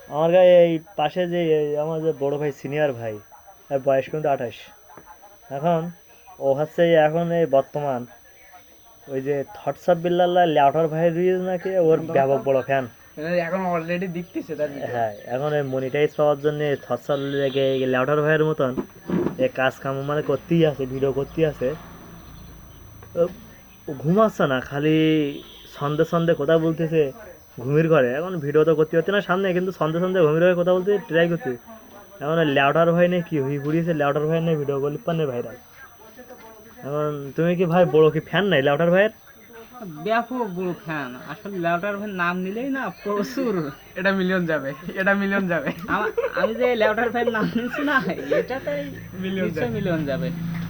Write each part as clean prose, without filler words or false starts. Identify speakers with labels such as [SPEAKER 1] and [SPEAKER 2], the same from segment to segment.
[SPEAKER 1] আমার গায়ে এই পাশে যে আমার যে বড় ভাই সিনিয়র ভাই, তার বয়স কিন্তু 28। এখন ও হচ্ছে এখন এই বর্তমান ওই যে থটসঅফ বিল্লাল্লাহ ল্যাউটার ভাইয়ের রিলস নাকি ওর ব্যাপক বড় ফ্যান।
[SPEAKER 2] এখন অলরেডি দেখতেছে তার ভিডিও।
[SPEAKER 1] হ্যাঁ, এখন এই মনিটাইজ পাওয়ার জন্য থটসঅফ লেগে ল্যাউটার ভাইয়ের মতন এ কাজ কাম মানে করতেই আছে, ভিডিও করতেই আছে। ও ঘুমাচ্ছে না, খালি সন্ধে সন্ধে কথা বলতেছে ঘুমির ঘরে। এখন ভিডিও তো করতে হচ্ছে না সামনে, কিন্তু সন্ধে সন্ধে ঘুমির ঘরে কথা বলতে ট্রাই করতে। এখন ল্যাউটার ভাই নেই কি হয়ে ঘুরিয়েছে, ল্যাউটার ভাই নেই ভিডিও করলে পান্নে ভাইরাল। এখন তুমি কি ভাই বড় কি ফ্যান নাই ল্যাউটার ভাইয়ের?
[SPEAKER 3] ব্যাপক বড় ফ্যান। আসলে ল্যাউটার ভাই নাম নিলেই না প্রচুর
[SPEAKER 2] এটা মিলিয়ন যাবে, এটা মিলিয়ন যাবে।
[SPEAKER 3] আমি যে ল্যাউটার ভাইয়ের নাম নিচ্ছি না, এটাতেই
[SPEAKER 2] মিলিয়ন
[SPEAKER 3] নিশ্চয়ই মিলিয়ন যাবে।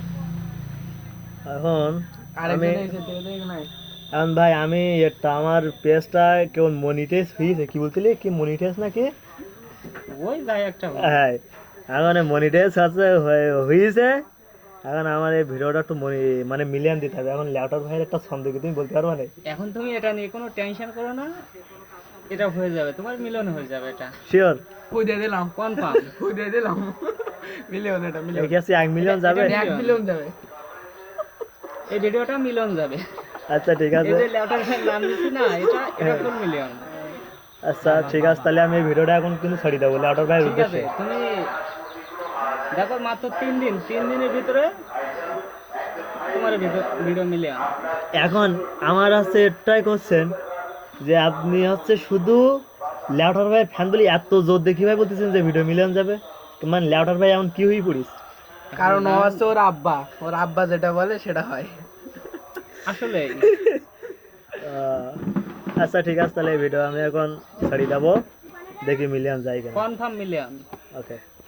[SPEAKER 1] এখন আমি
[SPEAKER 2] আরেকজন এসে দেখ নাই।
[SPEAKER 1] এখন ভাই আমি একটা আমার পেজটা কেমন মনিটাইজ হয়েছে, কি বলছিলি কি মনিটাইজ নাকি?
[SPEAKER 3] ওই যাই একটা
[SPEAKER 1] হ্যাঁ, এখন মনিটাইজ আছে হয়েছে। এখন আমার এই ভিডিওটা একটু মানে মিলিয়ন দিতে হবে। এখন ল্যাপটপ ভাইয়ের একটা ছন্দ কি তুমি বলতে পারবে না?
[SPEAKER 3] এখন তুমি এটা নিয়ে কোনো টেনশন করো না, এটা হয়ে যাবে, তোমার মিলিয়ন হয়ে যাবে। এটা
[SPEAKER 1] শিওর?
[SPEAKER 2] কই দিয়ে দিলাম,
[SPEAKER 3] কনফার্ম।
[SPEAKER 2] কই দিয়ে দিলাম। মিলিয়ন, এটা মিলিয়ন।
[SPEAKER 1] কি আছে 1 মিলিয়ন যাবে?
[SPEAKER 2] 1 মিলিয়ন যাবে।
[SPEAKER 3] এই ভিডিওটা মিলিয়ন যাবে।
[SPEAKER 1] আচ্ছা ঠিক আছে।
[SPEAKER 3] এই যে ল্যাউটার ভাইয়ের নাম নিচ্ছি না, এটা ফুল মিলিয়ন।
[SPEAKER 1] আচ্ছা ঠিক আছে, তাহলে আমি এই ভিডিওটা এখন কিন্তু ছাড়িয়ে দেবো ল্যাপটপ ভাইয়ের
[SPEAKER 3] ঠিক আছে,
[SPEAKER 1] উদ্দেশ্যে।
[SPEAKER 3] তুমি দেখো মাত্র 3 দিনের ভিতরে তোমার ভিডিও মিলিয়ন।
[SPEAKER 1] এখন আমার হচ্ছে এটাই কোশ্চেন যে আপনি হচ্ছে শুধু ল্যাপটপ ভাইয়ের ফ্যান বলি এত জোর দেখি ভাই বলতেছেন যে ভিডিও মিলিয়ন যাবে, মানে ল্যাপটপ ভাই এমন কি হয়ে পড়িস?
[SPEAKER 2] কারণ ও হচ্ছে ওর আব্বা যেটা বলে সেটা হয়।
[SPEAKER 3] আসলে
[SPEAKER 1] আচ্ছা ঠিক আছে, তাহলে এই ভিডিও আমি এখন ছাড়িয়ে দেবো, দেখি মিলিয়ন যায় কিনা।
[SPEAKER 3] Confirm million.
[SPEAKER 1] ওকে।